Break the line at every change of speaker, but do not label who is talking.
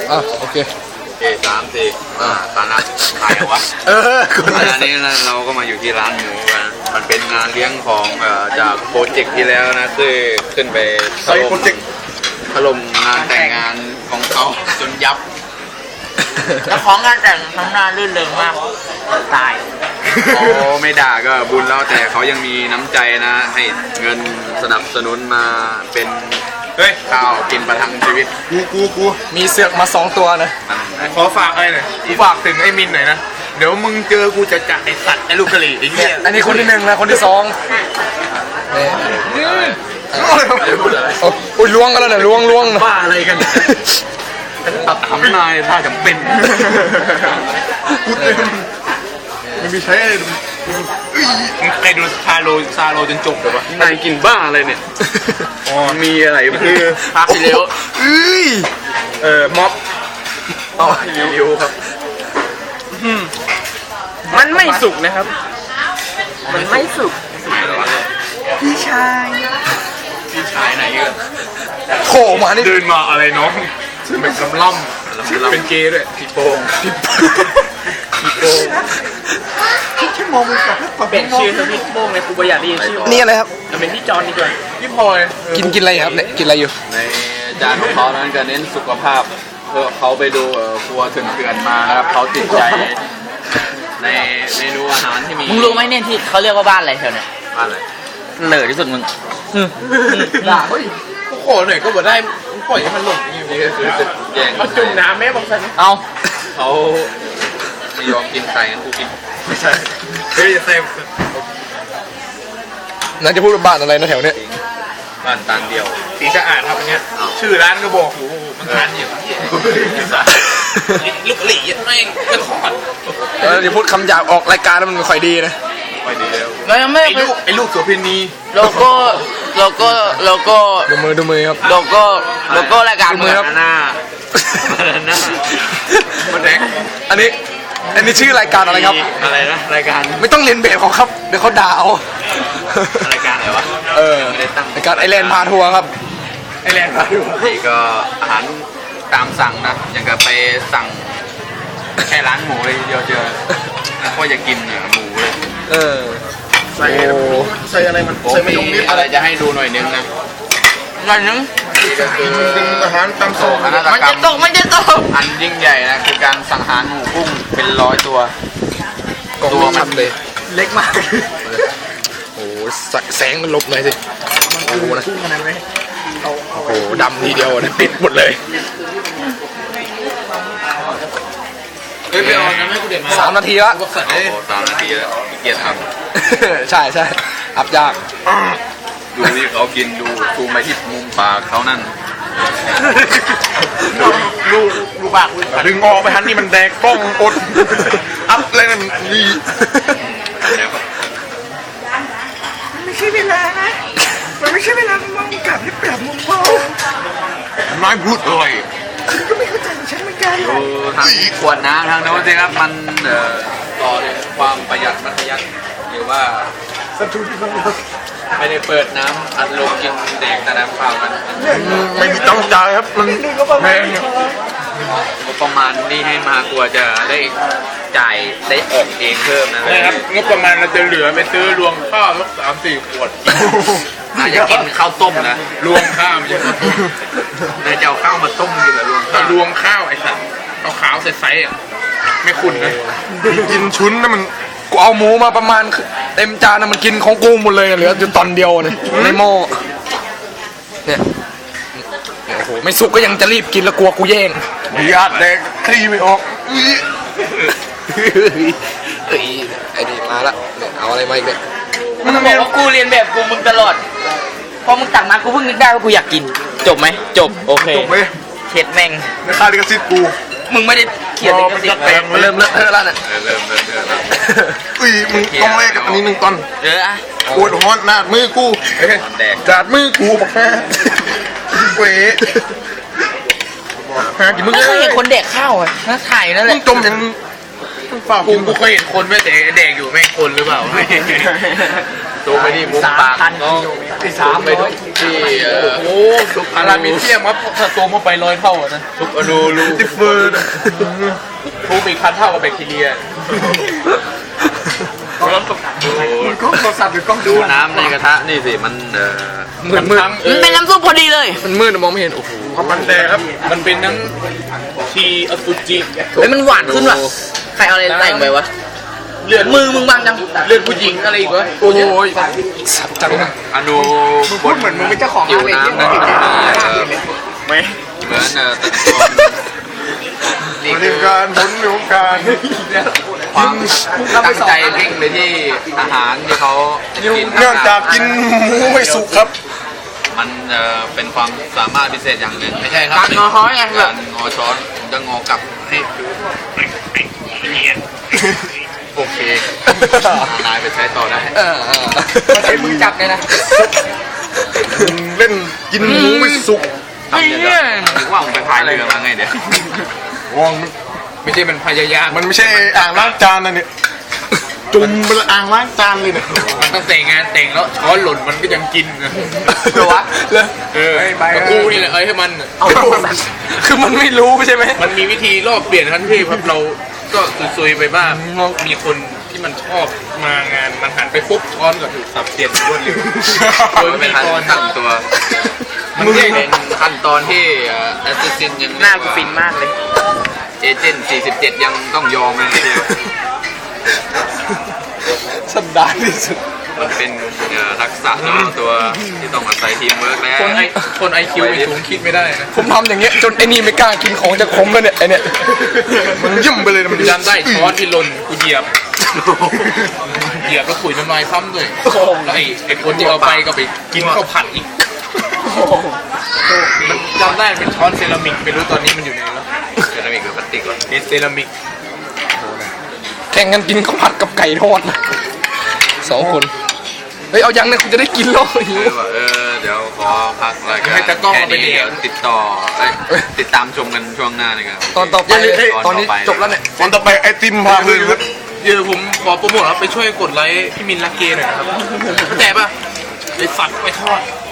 โอเค
3-4ตอนนั้นถ่ายวะอันนี้เราก็มาอยู่ที่ร้านหมูกันมันเป็นงานเลี้ยงของจากโปรเจกต์ที่แล้วนะคือขึ้นไปถล่มงานแต่งงานของเขาจนยับ
แล้วของงานแต่งข้างหน้าลื่นเริงมากตาย
โอ้ไม่ด่าก็บุญแล้วแต่เขายังมีน้ำใจนะให้เงินสนับสนุนมาเป็นข้าวกินประทังชีวิต
กูมีเสือกมา2ตัวนะ
ขอฝากอะไรหน่อยกูฝากถึงไอ้มินหน่อยนะเดี๋ยวมึงเจอกูจะจัดไอ้สัตว์ไอ้ลูกกะหรี่ไอ้เหี้ย
อันนี้คนที่1นะคนที่2โอ้ยล้วงกันแล้วเนี่ยล้วง
บ้าอะไรกัน
ตัดทำนายถ้าจำเป็น
กูเต็มมันมีใช้อะไรมึงเคยดูซาโลจนจบเลยวะ
นายกินบ้าอะไรเนี่ยมีอะไรคือ
ภาคที่เร็ว
ม็อบ
ริวครับ
มันไม่สุกนะครับมันไม่สุกพี่ชายไหนเยอะ
โผมานี่
เดินมาอะไรน้องเป็นกำล่ำเป็นเกย์ด้วยพี่โป้ง
ชั่วโมงมึงกับเป็นชื่อพี่โป้งในกูประหยัดดีชื่อ
นี่อะไรครับ
จะเป็นพี่จอนดีกว่า
พี่พลอย
กินอะไรครับเนี่ยกินอะไรอยู่
ในจานของเขานั้นก็เน้นสุขภาพเพื่อเขาไปดูครัวเถื่อนมานะครับเขาติดใจในเมนูอาหารที่มี
มึงรู้ไหมเนี่ยที่เขาเรียกว่าบ้านอะไรแถวเนี่ย
บ้านอะไร
เหลือที่สุดมึง
ด่าเฮ้ยกูขอหน่อยก็บ่ได้มึงปล่อยให้มันหล่นอย่างนี้
คือจะแย่ง
เขาจุ่มน้ำแม่บางสัน
เอา
เขาไม่ยอมกินไข่งั้นกูกิน
ไม่ใช่เฮ้ยเซฟ
น่าจะพูดว่าบ้านอะไรนะแถวเนี้ย
บ้านตานเดียว
สีสะอาดครับอันเนี้ยชื่อร้านก็บอกอยู่มันร้านอยู่ลูกหลี่ไม่เป็นขอด
เดี๋ยวพูดคำหยาบออกรายการแล้วมันไม่ค่อยดีนะ
ไม่ดีแล้ว
เรายังไม่
ไอ้ลูกโสเภณี
โลโก้
ดูมือครับ
โลโก้รายการมือครับ
หน้า
มันแดง
อันนี้ชื่อรายการอะไรครับ
อะไรนะรายการ
ไม่ต้องเรียนแบบเขาครับเดี๋ยวเขาด่าเอา
รายการอะไรวะ
รายการไอแลนด์พาทัวร์ครับ
ไอแลนด์พาทัวร์
นี่ก็อาหารตามสั่งนะอย่างกับไปสั่งแค่ร้านหมูเลยเดียวเจอก็อยากกินหมูเลย
ใส่อะไรมันใส่มะยงนิด
อะไรจะให้ดูหน่อยนึงนะ
อะไรนึง
เป็นอาหารตามสั่ง
มันจะตก
อันยิ่งใหญ่นะคือการสังหารหมูกุ้งเป็น100ตัว
มันเลย
เล็กมาก
โอ้แสงมันลบหน่อยสิโอ้โหนะโอ้โหดำทีเดียวนะติดหมดเลย3 นาทีละ
3 นาทีแล้วเกียรติท
ำใช่อับยาก
ดูที่เขากินดูซูมไปที่มุมปากเขานั่น
ดูปากดึงออกไปทันนี่มันแดกกล้องอดอัพเลยนั่นนี่
ไม่ใช่เวลานะมันไม่ใช่เวลามองกลับให้ปรับมุมมอง
น้อยพูดเลย
ก็ไม่เข้าใจฉันเหมือนกัน
ทางขวดน้ำทางโน้นสิครับมันต่อเลยความประหยัดมัธยัสถ์หรือว่าไม่ได้เปิดน้ำอัดลมกินแดงแต่น้ำเปล่ากัน
ไม่มีต้องจ่ายครับมันแพง
งบประมาณนี่ให้มากลัวจะได้จ่ายได้ออกเองเพิ่ม
นะครับงบประมาณเราจะเหลือไปซื้อรวงข้าวสัก3-4 ขวด
น่าจะกินข้าวต้มนะ
รวงข้าวมันจะ
น่าจะเอาข้าวมาต้มกินเหรอ
รวงข้าวไอ้สัตว์เอาขาวใสๆไม่ขุ่นนะกินชุนนะมัน
กูเอาหมูมาประมาณเต็มจานนะมันกินของกูหมดเลยเหลืออยู่ตอนเดียวเนี่ยในหม้อเนี่ยโอ้โหไม่สุกก็ยังจะรีบกินแล้วกลัวกูแย่ง
ญาติแดกคลี่ไม่ออก
ไอ้นี่มาละเนี่ยเอาอะไรมาอีกเนี่ย
มึงบอกว่ากูเรียนแบบกูมึงตลอดพอมึงตักมากูเพิ่งนึกได้ว่ากูอยากกินจบไหมจบโอเค
จบไหม
เข็ดแม่ง
ในค่าลิขสิทธิ์กู
มึงไม่ได้เขียนลิขสิทธิ์
มันเริ่มเลอะเทอะแล้วเนี่ย
เริ่มแล้ว
มึงต้องแลกกับอันนี้1 ตอน
อะ
ปวดหัวหน้ามือกูจาดมือกูบอกแค่เว้ย
มึงเคยเห็นคนเด็กข้าวอ่ะน่าถ่ายนั่นแหละ
จมยัง
กูเคยเห็นคนไม่เด็กอยู่แม่งคนหรือเปล่าตัวไปที่มุมปากก็
300
ที่
โอ้อารามิเซียมครับถ้าตัวมาไป100 เท่านะ
ทุกอนูรู
ติเฟิร์น
ทูอีก1,000 เท่ากับแบคทีเรียแล้วตก
มันกล้องโทรศัพท์หรือกล้อง
ดูน้ำในกระทะนี่สิมัน
มืด
มันเป็นน้ำซุปพอดีเลย
มันมืดมองไม่เห็นโอ้โห
ความมันแดงครับ
มันเป็นทั้งทีอสุจิ
เฮ้ยมันหวานขึ้นว่ะ ใครเอาอะไรแต่งไปวะ
เลือด
มือมึงบางจัง
เลือดผู้หญิงอะไรอีกวะ
โอ้ยสับจังนะ
อนู
มึงพูดเหมือนมึงเป็นเจ้าของ
ผิว
ร้านเลย
น้ำนั้นเหมือน
ไม่
ตะกอน
บริการผลของการ
ความตั้งใจเพ่งไปที่อาหารที่เขากิน
เนื่องจากกินหมูไม่สุกครับ
มันเป็นความสามารถพิเศษอย่างหนึ่งไม่ใช่ครับ
การงอฮ้อยไงแบบ
การงอช้อนผมจะงอกลับให้โอเคนายไปใช้ต่อได้
ใช้มือจับเลยนะ
เล่นกินหมูไม่สุก
ทำเนี่ยนึกว่าผมไปพายเรือมาไงเดี๋ยว
วอง
ไม่ใช่มันพยายาม
มันไม่ใช่อ่างล้างจานนะเนี่ยจุ่มเป็นอ่างล้างจานเลยเนี่ย
มันตั้งแต่งานแต่งแล้วช้อนหล่นมันก็ยังกินนะ
เหรอวะแล้ว
กับกูนี่แหละให้มัน
เอาไปสัตว์
คือมันไม่รู้ใช่ไหม
มันมีวิธีรอบเปลี่ยนทันทีครับเราก็ซุยๆไปบ้างมีคนที่มันชอบมางานมันหันไปปุ๊บช้อนก็ถูกสับเปลี่ยนรวดเร็วโดย
มัน
ไม่
เป็น
มี
ขั้
ก่อน
นตั้งตัว
มันแยก
เป็นขั้นตอนที่แอสซิสซินยัง
หน้ากูฟินมากเลย
เอเจนต์47 ยังต้องยอมเลยทีเดียว
สัปดาห์ที่สุด
มันเป็นทักษะเฉพาะตัวที่ต้องอาศัยทีมเวิร์กแล้ว
คนไอคิวไม่สูงคิดไม่ได้นะ
ผมทำอย่างเงี้ยจนไอ้นี่ไม่กล้ากินของจะขมแล้วเนี่ยไอ้เนี่ยมันยิ่มไปเลยนะมัน
จำได้ช้อนที่หล่นกูเหยียบแล้วขุยน้ำลายซ้ำด้วยแล้วไอ้คนที่เอาไปก็ไปกินข้าวผัดอีกมันจำได้เป็นช้อนเซรามิกไม่รู้ตอนนี้มันอยู่ไหนแล้ว
เซรามิกหรือพลาสติกวะ
เป็นเซรามิก
แข่งกันกินข้าวผัดกับไก่ทอดนะ2 คนเฮ้ยเอายังเนี่ยคุณจะได้กินแล้วหิว
เดี๋ยวขอพักรายการแค่นี้เดี๋ยวติดตามชมกันช่วงหน้านะครับ
ตอนต่อไปตอนนี้จบแล้วเนี่ย
วันต่อไปไอติมพาเลยครับ
เดี๋ยวผมขอโปรโมทครับไปช่วยกดไลค์พี่มินลักเกหน่อยนะครับเข้าใจป่ะไอสัตว์ไปทอด